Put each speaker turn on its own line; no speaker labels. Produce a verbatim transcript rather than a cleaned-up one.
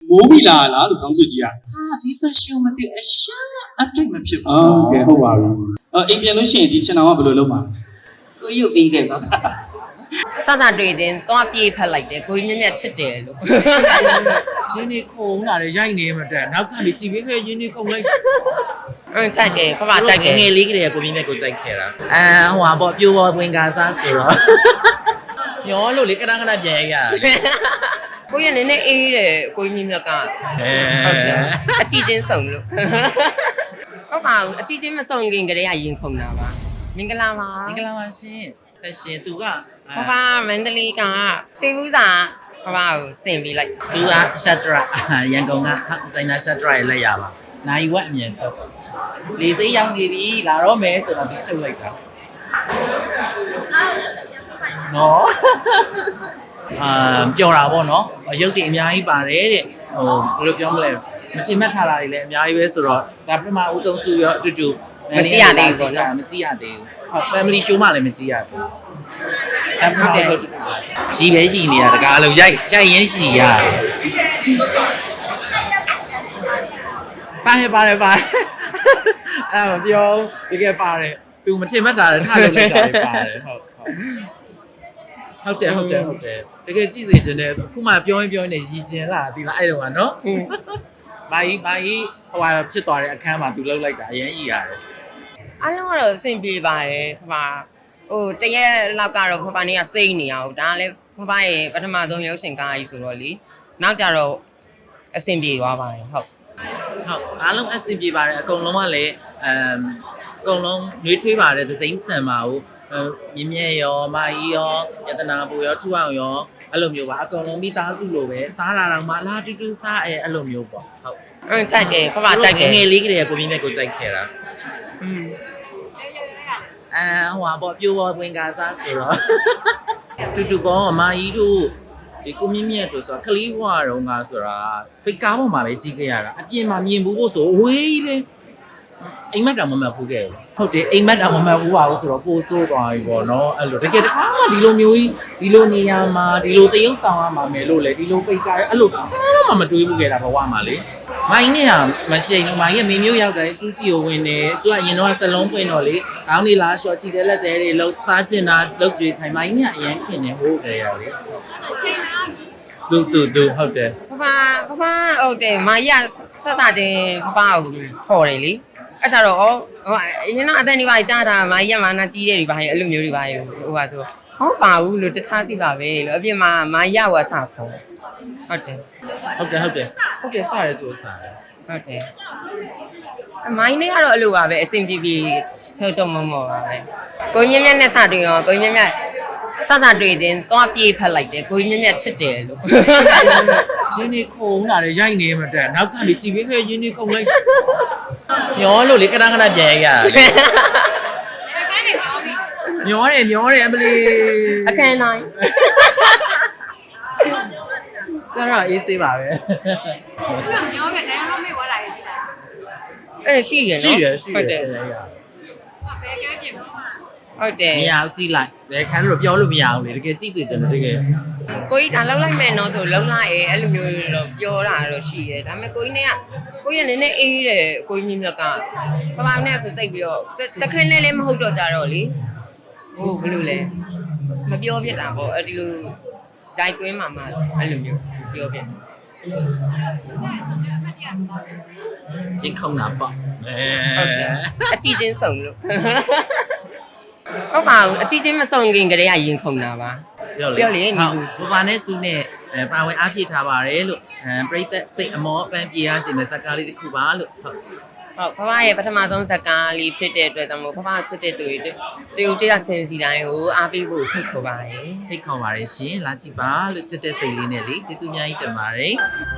မိုးမိလာလားလို့ခေါင်းစွပ်ကြီးอ่ะ
ဟာဒီ fashion မသိအရှာ update မဖြစ်ဘူး
โอเคဟုတ်ပါပြီအော်အိမ်ပြန်လို့ရှိရင်ဒီချင်တော်ကဘယ်လိုလုပ်မှာ
ကိုကြီးကိုပြီးခဲ့ပါစစတွေ့တင်သွားပြေးဖက်လိုက်တယ်ကိုကြီးမြက်မြက်ချစ်တယ်လို့
ရင်းနေခုံလာတယ်ရိုက်နေမှတဲ့နောက်ကနေကြည်ပြီးခဲ့ရင်းနေခုံလိုက်
အင်းကြိုက်တယ်ဖဖကြိုက်တယ်
ငယ်လေးကလေးကကိုမြင့်မြတ်ကိုကြိုက်ခဲ့တာအဲဟိုဟာပေါ့ပြိုပေါ်ဝင်ကားစားဆိုတော့ညောလို့လေကနကနပြန်ရရ
ကိုကြီးကလည်းနည်းအေးတယ်ကိုကြီးမြက်က
အဲ
ဟုတ်တယ်အကြည့်ချင်းစုံလို့ဟုတ်ပါဘူးအကြည့်ချင်းမစုံခင်ကလေးကရင်ခုန်တာပါမင်္ဂလာပါ
မင်္ဂလာပါရှင်သက်ရှင်သူက
ဖဖမန္တလေးကစေဘူးစာဖဖကိုစင်ပြီးလိုက်
သူကရှတ်တရရန်ကုန်ကဒီဇိုင်နာရှတ်တရရဲ့လက်ရပါနိုင်ဝက်အမြင်ချုပ်လေစိတ်ရောက်နေပြီလာတော့မယ်ဆိုတော့ဒီချုပ်လိုက်တာနော်အာပြောတာပေါ့နော်ရုပ်တွေအများကြီးပါတယ်တဲ့ဟိုဘယ်လိုပြောမလဲမထင်မှတ်ထားတာတွေလည်းအများကြီးပဲဆိုတော့ဒါပထမဦးဆုံးသူရောအတူတူမကြည့်ရသေးဘူးဟုတ် family show မှလည်းမကြည့်ရဘူးအဲ့ဒါဟုတ်ရီပဲရီနေတာတကားလုံးရိုက်ရိုက်ရင်းရီရတယ်ပါတယ်ပါတယ်ပါတယ်အဲ့ဒါမပြောတကယ်ပါတယ်သူမထင်မှတ်တာလည်းထားလို့လိုက်တာလည်းပါတယ်ဟုတ်ဟုတ်တယ်ဟုတ်တယ်ဟုတ်တယ်တကယ်ကြည့်စေချင်တယ်အခုမှပြောရင်ပြောရင်ရည်ကျင်လာဒီလားအဲ့တော့ကနော်မာကြီးမာကြီးဟိုဟာဖြစ်သွားတဲ့အခန်းမှာသူလှုပ်လိုက်တာအရင်ရည်ရတယ်
အားလုံးကတော့အဆင်ပြေပါတယ်ဖဖဟိုတရက်လောက်ကတော့ဖဖနေကစိတ်နေအောင်ဒါလည်းဖဖရဲ့ပထမဆုံးရုပ်ရှင်ကားကြီးဆိုတော့လေနောက်ကြတော့အဆင်ပြေသွားပါတယ်ဟုတ်
ဟုတ်အားလုံးအဆင်ပြေပါတယ်အကုန်လုံးကလည်းအမ်အကုန်လုံးနှွေးထွေးပါတယ်သစိမ်းဆန်ပါဘူးမြင်းမြဲရောမာကြီးရောယတနာပူရောထူအောင်ရောအဲ့လိုမျိုးပါအကုန်လုံးမိသားစုလိုပဲစားတာတော့မှလာတူတူစားအဲအဲ့လိုမျိုးပေါ့ဟုတ်
အင်းကြိုက်တယ်ဖဖကြိုက်တယ်
ငယ်လေးကလေးကကိုမြင်းမြတ်ကိုကြိုက်ခဲ့တာ
อืม
အဲဟိုဟာပေါ့ပြိုပေါ်ဝင်ကားစားဆိုတော့တူတူပေါ့မာကြီးတို့ဒီကိုမြင့်မြတ်တို့ဆိုတာခလီးဘွားတော့ငါဆိုတာပိတ်ကားပေါ်မှာပဲကြီးခဲ့ရတာအပြင်မှာမြင်ဘူးဖို့ဆိုဝေးကြီးပဲအိမ်မက်တောင်မမှတ်ဘူးခဲ့ဘူးဟုတ်တယ်အိမ်မက်တောင်မမှတ်ဘူးပါဘူးဆိုတော့ပို့ဆိုးသွားပြီပေါ့နော်အဲ့လိုတကယ်တခါမှဒီလိုမျိုးကြီးဒီလိုနေရာမှာဒီလိုတရုပ်ဆောင်ရမှာမယ်လို့လေဒီလိုပိတ်ကားအဲ့လိုမှမတွေးဘူးခဲ့တာဘဝမှာလေမိုင်းနဲ့ကမရှိဘူးမိုင်းရဲ့မင်းမျိုးရောက်တယ်စူးစီကိုဝင်တယ်သူကအရင်တော့စလုံးပွင့်တော့လေခေါင်းလေးလားရှော့ချီတဲ့လက်သေးတွေလှုပ်စားကျင်တာလှုပ်ကြွေးခိုင်မိုင်းနဲ့အရင်ခင်နေဟိုးကြရလေလူတူတူဟုတ်တယ်
ဖဖဖဖဟုတ်တယ်မာကြီးကဆက်စတင်ဖဖကိုခေါ်တယ်လေအဲ့ဒါတော့ဟိုအရင်တော့အတန်ဒီပါကြားတာမာကြီးကမာနာကြီးတယ်ဒီပါအဲ့လိုမျိုးတွေပါဟိုပါဆိုဟုတ်ပါဘူးလို့တခြားစီပါပဲလို့အပြင်မှာမာကြီးကဝါစာခေါ်ဟုတ်တယ်
ဟုတ်တယ်ဟုတ်တယ်ဟုတ်တယ်စားရဲသူစားတယ်
ဟုတ်တယ်အမိုင်းနဲ့ကတော့အဲ့လိုပါပဲအဆင်ပြေပြေချုံချုံမမောပါပဲကိုကြီးမြက်မြက်နဲ့စတွေ့ရောကိုကြီးမြက်မြက်စစတွေ့တင်သွားပြေးဖက်လိုက်တယ်ကိုကြီးမြက်မြက်ချစ်တယ်လို့
ရင်းနေခုံလာတယ်ရိုက်နေမှတဲ့နောက်ကနေကြည်ပြီးခဲ့ရင်းနေခုံလိုက်ညောလို့လေကနကနပြန်ရရတယ်မျောတယ်မျောတယ်အမလီ
အခန်းတိုင်း
ဆရာအေးစေးပါပဲ
မျောပဲတိုင်းတော့မေ့ဝလာရရှိလား
အဲ့ရှိတယ်နော်
ရှိတယ်ရှိတယ်
ဟုတ်တယ်
ဘယ်ကဲပြင်မ
ဟုတ်တယ်
မရဘူးကြည့်လိုက်ဘယ်ခန်းလို့ပြောလို့မရဘူးလေတကယ်ကြည့်စေချင်တယ်တကယ်
ကိုကြီးဒါလောက်လိုက်မယ်နော်ဆိုလုံလိုက်ရဲအဲ့လိုမျိုးတော့ပြောတာတော့ရှိတယ်ဒါပေမဲ့ကိုကြီးနဲ့ကကိုကြီးကလည်းနည်းအေးတယ်ကိုကြီးမြက်ကပပနဲ့ဆိုတိတ်ပြီးတော့တခင်းလေးလေးမဟုတ်တော့ကြတော့လေဟုတ်ဘယ်လိုလဲမပြောပြတာပေါ့အဲ့ဒီလိုဇိုက်ကွင်းမှာမှအဲ့လိုမျိုးပြောပြ
ချင်းခုံတာပေါ့အဲ
ဟုတ်တယ်အကြည့်ချင်းစုံလို့ဟုတ်ပါဘူးအကြည့်ချင်းမစုံခင်ကလေးကရင်ခုန်တာပါ
ပြောလေဟုတ်ဘာဘာနဲ့စုနဲ့ပါဝင်အားဖြည့်ထားပါတယ်လို့အဲပြိသက်စိတ်အမောပန်းပြေရစီမဲ့စကားလေးတစ်ခုပါလို့ဟုတ်
ဟုတ်ဖဖရဲ့ပထမဆုံးဇာတ်ကားလေးဖြစ်တဲ့အတွက်ကြောင့်မို့ဖဖချစ်တဲ့သူတွေတရုတ်တရချင်းစီတိုင်းကိုအားပေးဖို့ဖိတ်ခေါ်ပါတယ်
ဖိတ်ခေါ်ပါတယ်ရှင်လာကြည့်ပါလို့ချစ်တဲ့စိတ်လေးနဲ့လေကျေးဇူးအများကြီးတင်ပါတယ်